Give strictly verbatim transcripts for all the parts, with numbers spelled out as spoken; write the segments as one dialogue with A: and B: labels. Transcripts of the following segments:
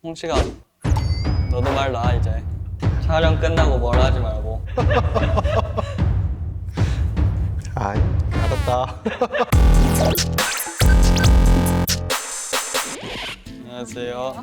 A: 홍씨가 너도 말 놔 이제. 촬영 끝나고 뭘 하지 말고.
B: 아이, 알았다.
A: 안녕하세요.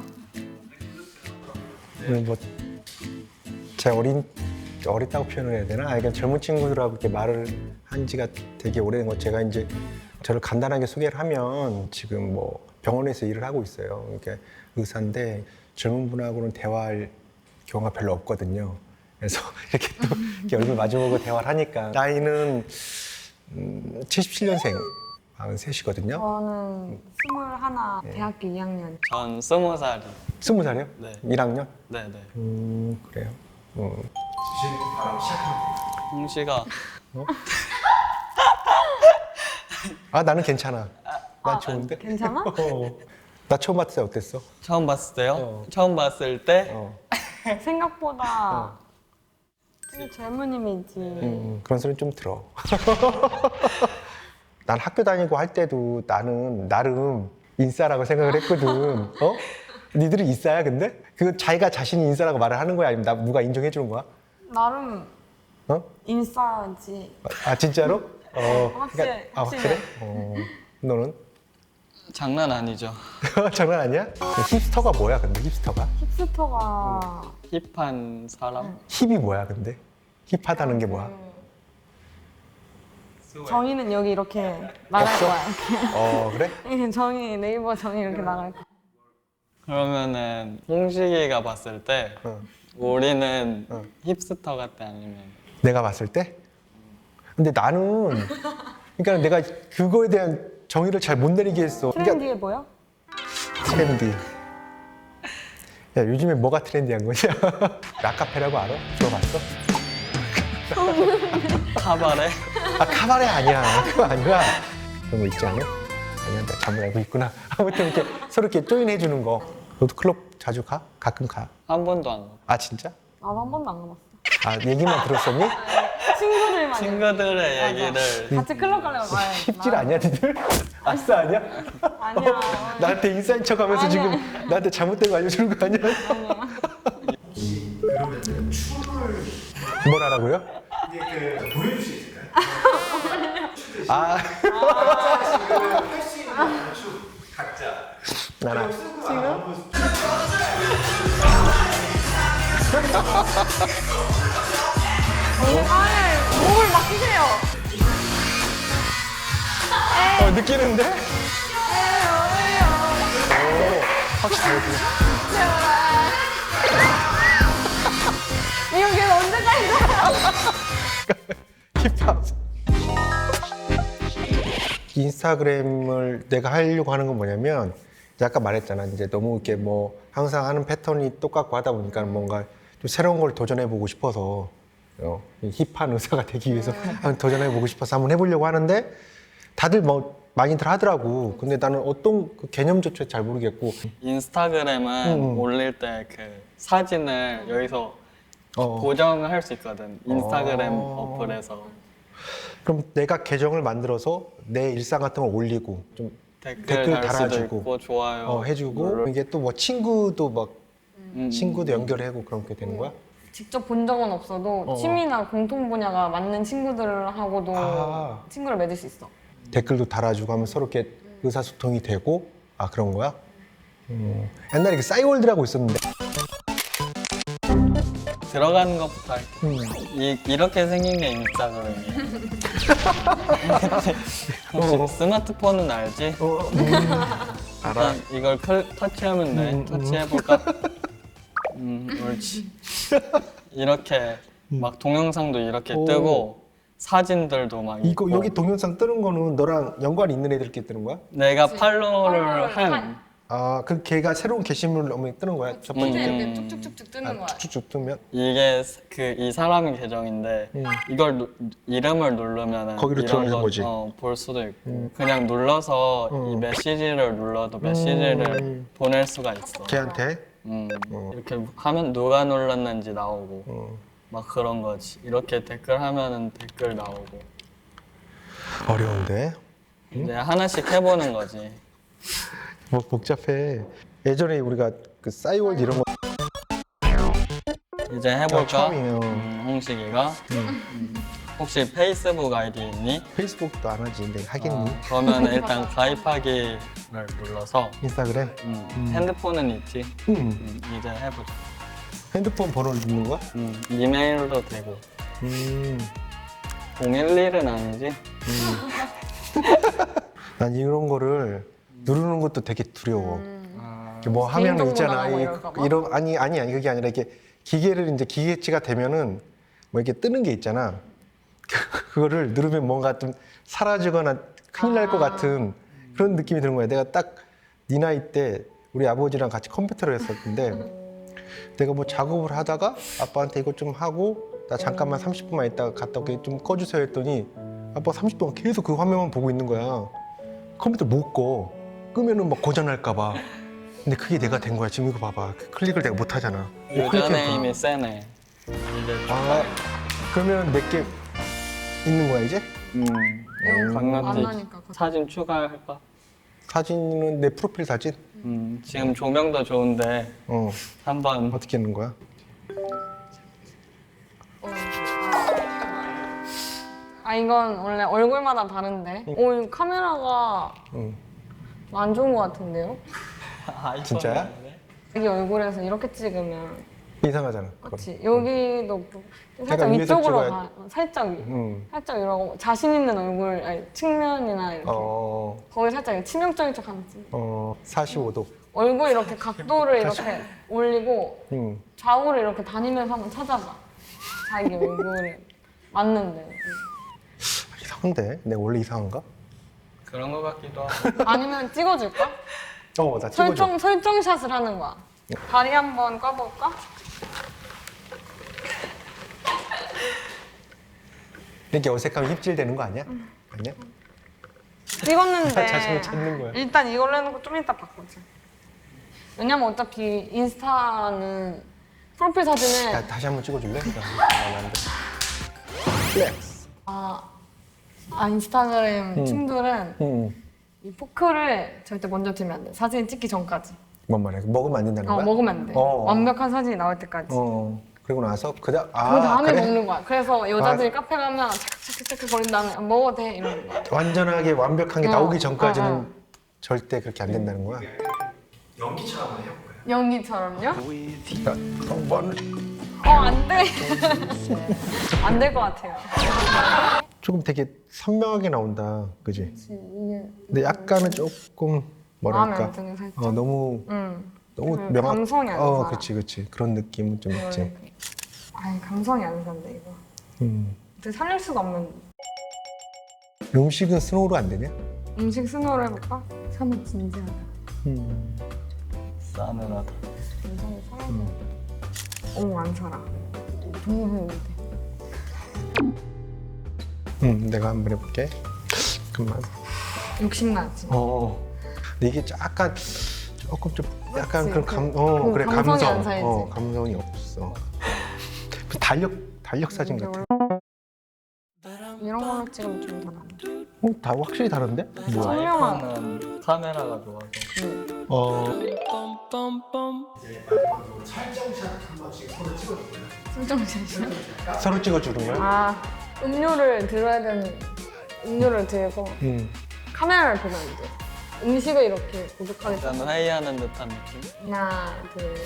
B: 오늘 뭐, 제 어린, 어리다고 표현을 해야 되나? 아, 그러니까 젊은 친구들하고 이렇게 말을 한 지가 되게 오래된 거. 제가 이제 저를 간단하게 소개를 하면 지금 뭐 병원에서 일을 하고 있어요. 그러니까 의사인데 젊은 분하고는 대화할 경우가 별로 없거든요. 그래서 이렇게 또 이렇게 얼굴 마주보고 대화를 하니까 나이는 음, 칠십칠 년생 마흔셋이거든요.
C: 저는 스물하나 대학교 이 학년.
A: 전 스무 살이.
B: 스무 살이요?
A: 네.
B: 일 학년?
A: 네네.
B: 음, 그래요. 음.
A: 홍씨가
B: 아, 나는 괜찮아. 난 좋은데?
C: 괜찮아?
B: 어. 나 처음 봤을 때 어땠어?
A: 처음 봤을 때요?
B: 어.
A: 처음 봤을 때
B: 어.
C: 생각보다 되게 젊은 이미지.
B: 음, 그런 소리는 좀 들어. 난 학교 다니고 할 때도 나는 나름 인싸라고 생각을 했거든. 어? 니들은 인싸야, 근데? 그거 자기가 자신이 인싸라고 말을 하는 거야? 아니면 나 누가 인정해 주는 거야?
C: 나름
B: 어?
C: 인싸지.
B: 아, 진짜로? 어.
C: 확실히,
B: 아,
C: 확실히.
B: 확실해? 어. 너는?
A: 장난 아니죠.
B: 장난 아니야? 힙스터가 뭐야, 근데 힙스터가?
C: 힙스터가
A: 힙한 사람?
B: 힙이 뭐야, 근데? 힙하다는 게 뭐야?
C: 정의는 여기 이렇게 나갈
B: 없어?
C: 거야.
B: 어, 그래?
C: 이렇게 정의 네이버 정의 이렇게 나갈 거야.
A: 그러면은 홍식이가 봤을 때
B: 어.
A: 우리는
B: 어.
A: 힙스터 같아 아니면
B: 내가 봤을 때? 근데 나는 그러니까 내가 그거에 대한 정의를 잘 못 내리겠어. 그러니까
C: 트렌디해 보여?
B: 트렌디. 야, 요즘에 뭐가 트렌디한 거냐? 라카페라고 알아? 들어봤어?
A: 카바레?
B: 아, 카바레 아니야. 그거 아니야. 그런 거 있지 않아? 아니야, 나 잘못 알고 있구나. 아무튼 이렇게 서로 이렇게 조인해 주는 거. 너도 클럽 자주 가? 가끔 가?
A: 한 번도 안 가.
B: 아, 진짜?
C: 나도 한 번도 안 가봤어.
B: 아, 얘기만 들었었니?
C: 친구들만.
A: 친구들의 얘기를
C: 같이 클럽 가려고 가야
B: 힙질 아니야, 니들? 아싸 아니야?
C: 아니야.
B: 나한테 인싸인 척 하면서
C: 아니야.
B: 지금 나한테 잘못된 거 알려주는 거 아니야? 뭘 하라고요? 이게 그 보여줄 수 있을까요? 아. 할수 있는 각자. 나나.
C: 아예 몸을 맡기세요.
B: 어, 느끼는데? 오, 확실히
C: 이거 걔 언제까지
B: 힙합. 인스타그램을 내가 하려고 하는 건 뭐냐면 이제 아까 말했잖아. 이제 너무 이렇게 뭐 항상 하는 패턴이 똑같고 하다 보니까 뭔가 좀 새로운 걸 도전해보고 싶어서 어, 이 힙한 의사가 되기 위해서 한번 도전해보고 싶어서 한번 해보려고 하는데 다들 뭐 많이들 하더라고. 근데 나는 어떤 그 개념조차 잘 모르겠고.
A: 인스타그램은
B: 음.
A: 올릴 때 그 사진을 여기서
B: 어.
A: 고정을 할 수 있거든. 인스타그램
B: 어.
A: 어플에서
B: 그럼 내가 계정을 만들어서 내 일상 같은 걸 올리고 좀
A: 댓글,
B: 댓글
A: 달 수도
B: 달아주고.
A: 있고 좋아요
B: 어, 해주고
A: 눌러-
B: 이게 또 뭐 친구도 막
A: 음.
B: 친구도 연결하고 그렇게 되는 거야?
C: 직접 본 적은 없어도
B: 어.
C: 취미나 공통 분야가 맞는 친구들하고도
B: 아.
C: 친구를 맺을 수 있어.
B: 댓글도 달아주고 하면 서로 이렇게 의사소통이 되고 아 그런 거야? 음. 옛날에 그 싸이월드라고 있었는데
A: 들어가는 것부터 할게.
B: 음.
A: 이, 이렇게 생긴 게 인스타그램이야. 혹시
B: 어.
A: 스마트폰은 알지?
B: 어, 음. 알아.
A: 일단 이걸 클, 터치하면 돼.
B: 음,
A: 터치해볼까? 음, 옳지. 이렇게 막 동영상도 이렇게
B: 오.
A: 뜨고 사진들도 막
B: 이거
A: 있고.
B: 여기 동영상 뜨는 거는 너랑 연관 있는 애들끼리 뜨는 거야?
A: 내가 팔로우를
C: 팔로우를
A: 한
C: 한-
B: 아, 그 걔가 새로운 게시물 넣으면 뜨는 거야? 첫 번째
A: 음.
B: 때?
C: 이렇게 쭉쭉쭉쭉 뜨는
B: 아,
C: 거야.
B: 쭉쭉쭉 뜨면?
A: 이게 그 이 사람의 계정인데
B: 음.
A: 이걸 누, 이름을 누르면은
B: 거기로
A: 이런
B: 들어가는
A: 거,
B: 거지.
A: 어, 볼 수도 있고 그냥 눌러서
B: 음.
A: 이 메시지를 눌러도 메시지를
B: 음.
A: 보낼 수가 있어.
B: 걔한테?
A: 음,
B: 어.
A: 이렇게 하면 누가 눌렀는지 나오고
B: 어.
A: 막 그런 거지. 이렇게 댓글 하면은 댓글 나오고
B: 어려운데?
A: 이제 하나씩 해보는 거지.
B: 뭐 복잡해. 예전에 우리가 그 싸이월드 이런 거
A: 이제 해볼까?
B: 처음이에요.
A: 음, 홍식이가. 음. 혹시 페이스북 아이디 있니?
B: 페이스북도 안 하지. 근데 하겠니?
A: 어, 그러면 일단 가입하기를 눌러서
B: 인스타그램?
A: 음,
B: 음.
A: 핸드폰은 있지?
B: 음.
A: 음, 이제 해보자.
B: 핸드폰 번호를 넣는 거야?
A: 음, 이메일도 되고.
B: 음.
A: 공일일은 아니지?
B: 난 이런 거를 누르는 것도 되게 두려워.
A: 아,
B: 이렇게 뭐 하면
C: 개인정보
B: 있잖아.
C: 나가고
B: 이,
C: 이럴까 봐?
B: 이런 아니 아니 아니 그게 아니라 이게 기계를 이제 기계치가 되면은 뭐 이렇게 뜨는 게 있잖아. 그거를 누르면 뭔가 좀 사라지거나 큰일 날 것
C: 아.
B: 같은 그런 느낌이 드는 거야. 내가 딱 네 나이 때 우리 아버지랑 같이 컴퓨터를 했었는데 내가 뭐 작업을 하다가 아빠한테 이거 좀 하고 나 잠깐만 삼십 분만 있다가 갔다 올게 좀 꺼주세요 했더니 아빠가 삼십 분간 계속 그 화면만 보고 있는 거야. 컴퓨터 못 꺼. 끄면은 막 고장날까 봐. 근데 그게 내가 된 거야. 지금 이거 봐봐. 그 클릭을 내가 못 하잖아.
A: 유저네임이 세네. 이제
B: 아, 그러면 내게 있는 거야 이제?
A: 음,
C: 안
A: 강남지
C: 하니까 그거.
A: 사진 추가할까?
B: 사진은 내 프로필 사진?
A: 음, 지금 조명도 좋은데
B: 어.
A: 한번
B: 어떻게 하는 거야?
C: 아 이건 원래 얼굴마다 다른데. 오, 이 카메라가
B: 응.
C: 안 좋은 것 같은데요?
A: 아이폰
B: 진짜야?
A: 있는데?
C: 여기 얼굴에서 이렇게 찍으면
B: 이상하잖아. 그거.
C: 그렇지. 여기도 살짝
B: 위에서
C: 위쪽으로
B: 찍어야-
C: 가. 살짝 위.
B: 응.
C: 살짝 이러고 자신 있는 얼굴 아니, 측면이나 이렇게
B: 어.
C: 거기 살짝 치명적인 척 하면 찍.
B: 어. 사십오 도.
C: 얼굴 이렇게 각도를 이렇게 올리고
B: 응.
C: 좌우를 이렇게 다니면서 한번 찾아봐. 자기 얼굴에 맞는데.
B: 이상한데? 내가 원래 이상한가?
A: 그런 거 같기도 하고.
C: 아니면 찍어줄까?
B: 어, 나 찍어줘.
C: 설정 설정샷을 하는 거야. 다리 한번 꺼볼까?
B: 이렇게 어색하면 힙질되는 거 아니야? 아니야?
C: 찍었는데
B: 자신을 찾는 거야.
C: 일단 이걸로 해놓고 좀 이따 바꾸자. 왜냐면 어차피 인스타는 프로필 사진을
B: 야, 다시 한번 찍어줄래? 아, 안 돼. 플렉스.
C: 아, 아 인스타그램
B: 음.
C: 친구들은
B: 응.
C: 이 포크를 절대 먼저 들면 안 돼. 사진 찍기 전까지.
B: 뭔 말이야? 먹으면 안 된다는
C: 어,
B: 거야?
C: 먹으면 안 돼.
B: 어.
C: 완벽한 사진이 나올 때까지.
B: 어. 그리고 나서 그다 아,
C: 그 다음에
B: 그래?
C: 먹는 거야. 그래서 여자들이 카페 가면 착착착착 거린 다음에 안 먹어도 돼 이러는 거야.
B: 완전하게 완벽한 게
C: 어,
B: 나오기 전까지는
C: 어, 어.
B: 절대 그렇게 안 된다는 거야.
C: 연기처럼요?
B: 한번
C: 어, 안 돼. 안 될 것 같아요.
B: 조금 되게 선명하게 나온다, 그지?
C: 이게
B: 근데 약간은 조금
C: 마음에
B: 뭐랄까,
C: 안 드는 살짝.
B: 어 너무
C: 응.
B: 너무
C: 그
B: 명확.
C: 감성이 안
B: 어,
C: 살아.
B: 그렇지, 그렇지. 그런 느낌은 좀 있지.
C: 아니 감성이 안 산다 이거.
B: 음.
C: 근데 살릴 수가 없는
B: 음식은 스노우로 안 되냐?
C: 음식 스노우를 해볼까? 참은 진지하다.
B: 음.
A: 싸늘하다.
C: 감성이 살아야 돼. 어머 안 살아. 너무 배운데.
B: 음, 내가 한번 해볼게. 잠깐만.
C: 욕심나지.
B: 어. 근데 이게 약간 조금 좀 약간
C: 그치,
B: 그런 감, 어
C: 그
B: 그래
C: 감성이
B: 감성,
C: 안 살지.
B: 어 감성이 없어. 그 달력 달력 사진 같아.
C: 이런 걸로 찍으면 좀 더 나아.
B: 어, 다 확실히 다른데? 뭐야?
A: 아이폰은 카메라가 좋아서.
C: 그
B: 어.
C: 설정샷이야?
B: 서로 찍어주는 거야?
C: 아 음료를 들어야 되는 음료를 들고
B: 음.
C: 카메라를 보면 안 돼. 음식을 이렇게 고독하게
A: 약간 회의하는 듯한 느낌?
C: 하나 둘.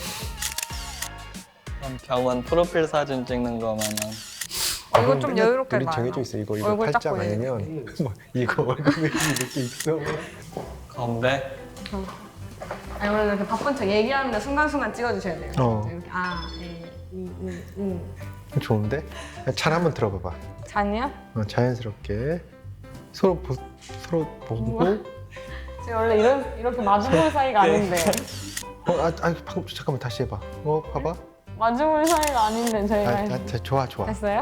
A: 그럼 병원 프로필 사진 찍는 거면은
C: 어, 이거 좀 여유롭게
B: 우리
C: 봐요.
B: 정해져 있어. 이거 이거
C: 얼굴 딱
B: 팔자
C: 보이게.
B: 아니면 뭐 이거 얼굴에 이렇게 있어.
A: 건배?
C: 아니 원래 이렇게 바쁜 척 얘기하는데 순간순간 찍어주셔야 돼요.
B: 어.
C: 이렇게 아, 예, 이, 이, 이.
B: 좋은데? 잘 한번 들어봐봐.
C: 잔이야?
B: 어, 자연스럽게 서로 보, 서로 보고.
C: 지금 원래 이런 이렇게 마주볼 사이가 아닌데
B: 어, 아, 아, 방금 잠깐만 다시 해봐. 어, 봐봐.
C: 마주볼 사이가 아닌데
B: 아,
C: 저희가
B: 아, 자, 좋아, 좋아.
C: 됐어요?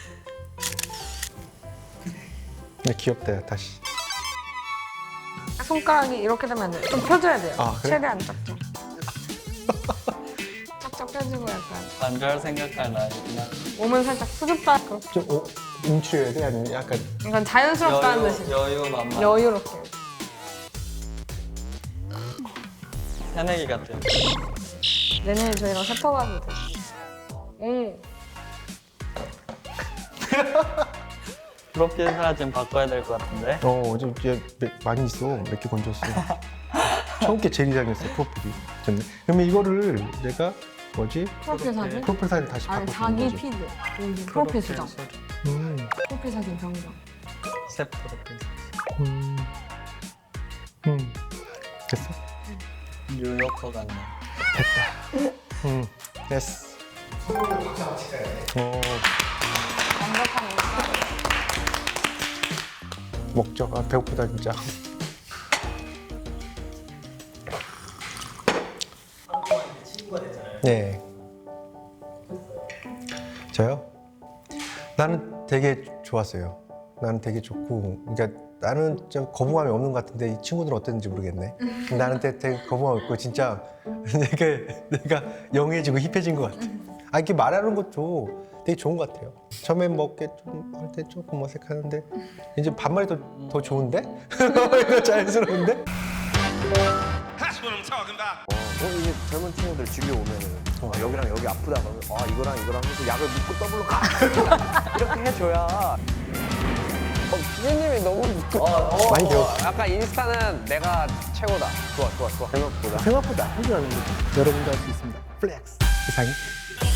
B: 네, 귀엽다, 야, 다시.
C: 손가락이 이렇게 되면 안 돼요. 좀 펴줘야 돼요.
B: 아, 그래?
C: 최대한 쫙쫙. 쫙쫙 펴주고 약간
A: 반절 생각할 나이구나.
C: 몸은 살짝 수줍다.
B: 좀 어, 움츠려야 돼? 아니면 약간
C: 이건 자연스럽다는 뜻이
A: 여유 만만.
C: 여유롭게.
A: 새내기 같아.
C: 내년에 저희랑 세터가도 돼. 응.
A: 프로필 사진 바꿔야 될 것 같은데.
B: 어, 어제 이제 몇- 많이 있어. 몇 개 건졌어. 처음 게 제일 이상했어, 프로필이. 좋네. 그러면 이거를 내가 뭐지?
C: 프로필 사진?
B: 프로필 사진 다시
C: 아니
B: 바꿔주는
C: 자기
B: 거지.
C: 피드. 여기 프로필 수정.
B: 음,
C: 프로필 사진 변경.
A: 새 프로필 사진.
B: 음, 음. 됐어?
A: 뉴요커 같네.
B: 음, 됐어. 어,
C: 완벽한 인스타.
B: 먹죠. 아, 배고프다, 진짜. 네. 저요? 나는 되게 좋았어요. 나는 되게 좋고, 그러니까 나는 좀 거부감이 없는 것 같은데 이 친구들은 어땠는지 모르겠네. 나는 되게, 되게 거부감 없고 진짜 내가 내가 영해지고 힙해진 것 같아. 아 이렇게 말하는 것도 되게 좋은 것 같아요. 처음에 먹게 좀 할 때 조금 어색하는데 이제 반말이 더, 더 좋은데? 이거 자연스러운데?
D: 어, 이게 젊은 친구들 집에 오면은 어, 여기랑 여기 아프다 그러면 아 이거랑 이거랑 해서 약을 묶고 더블로 가 이렇게 해줘야
E: 어, 피디님이 너무
D: 어, 어,
B: 많이
D: 어,
B: 배웠어.
D: 약간 인스타는 내가 최고다 좋아 좋아 좋아 생각보다
B: 생각보다 하지 않은 거죠. 여러분도 할 수 있습니다. 플렉스. 이상이.